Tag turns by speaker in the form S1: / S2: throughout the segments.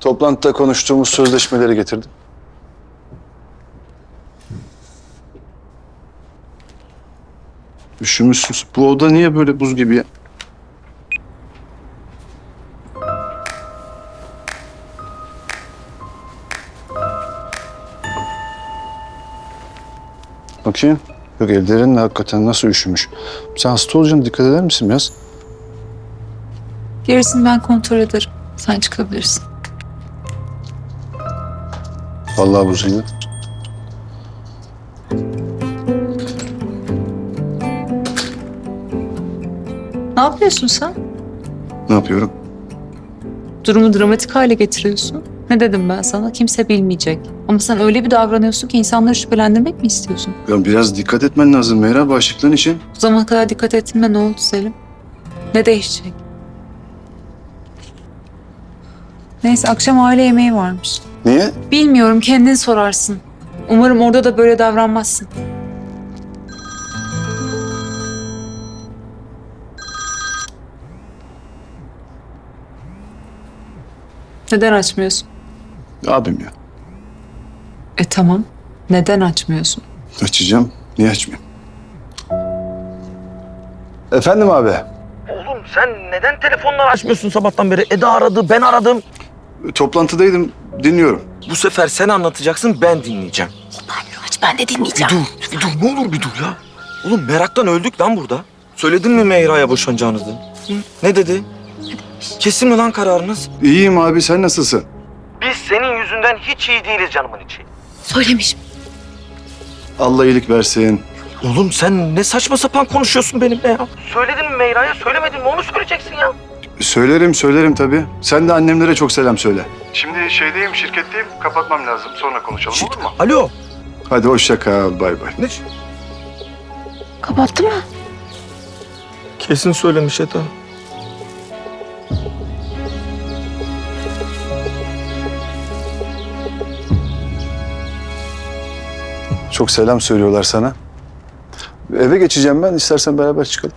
S1: Toplantıda konuştuğumuz sözleşmeleri getirdim. Üşümüşsünüz. Bu oda niye böyle buz gibi ya? Bakayım. Yok, ellerin hakikaten nasıl üşümüş. Sen hasta olacaksın, dikkat eder misin biraz?
S2: Gerisini ben kontrol ederim. Sen çıkabilirsin.
S1: Vallahi buzuydu.
S2: Ne yapıyorsun sen?
S1: Ne yapıyorum?
S2: Durumu dramatik hale getiriyorsun. Ne dedim ben sana? Kimse bilmeyecek. Ama sen öyle bir davranıyorsun ki insanları şüphelendirmek mi istiyorsun?
S1: Ya biraz dikkat etmen lazım Meyra, bağışıklığın için.
S2: O zamana kadar dikkat ettiğinde ne oldu Selim? Ne değişecek? Neyse, akşam aile yemeği varmış.
S1: Niye?
S2: Bilmiyorum, kendin sorarsın. Umarım orada da böyle davranmazsın. Neden açmıyorsun?
S1: Abim ya.
S2: Tamam. Neden açmıyorsun?
S1: Açacağım. Niye açmayayım? Efendim abi.
S3: Oğlum sen neden telefonları açmıyorsun sabahtan beri? Eda aradı, ben aradım.
S1: Toplantıdaydım. Dinliyorum.
S3: Bu sefer sen anlatacaksın, ben dinleyeceğim.
S4: Aç, ben de dinleyeceğim.
S3: Bir dur, ne olur bir dur ya. Oğlum meraktan öldük lan burada. Söyledin mi Meyra'ya boşanacağınızı? Hı? Ne dedi? Kesin mi lan kararınız?
S1: İyiyim abi. Sen nasılsın?
S3: Biz senin yüzünden hiç iyi değiliz canımın içi.
S4: Söylemiş.
S1: Allah iyilik versin.
S3: Oğlum sen ne saçma sapan konuşuyorsun benimle ya. Söyledin mi Meyra'ya, söylemedin mi onu söyleyeceksin ya.
S1: Söylerim tabii. Sen de annemlere çok selam söyle. Şimdi şeydeyim, şirketteyim. Kapatmam lazım. Sonra konuşalım, olur mu?
S3: Alo.
S1: Hadi hoşça kal. Bay bay.
S3: Ne?
S4: Kapattı mı?
S3: Kesin söylemiş Eda.
S1: Çok selam söylüyorlar sana. Eve geçeceğim ben. İstersen beraber çıkalım.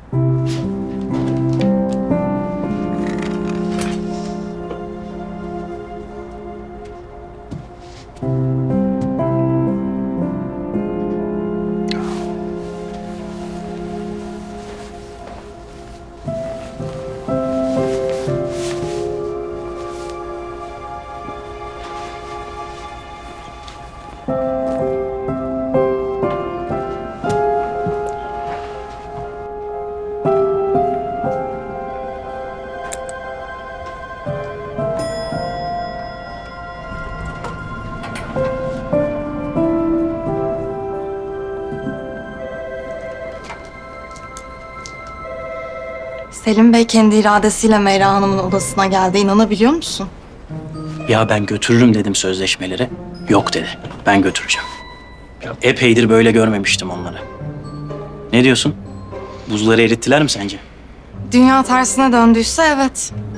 S5: Selim Bey kendi iradesiyle Meyra Hanım'ın odasına geldi. İnanabiliyor musun?
S6: Ya ben götürürüm dedim sözleşmeleri. Yok dedi. Ben götüreceğim. Epeydir böyle görmemiştim onları. Ne diyorsun? Buzları erittiler mi sence?
S5: Dünya tersine döndüyse evet.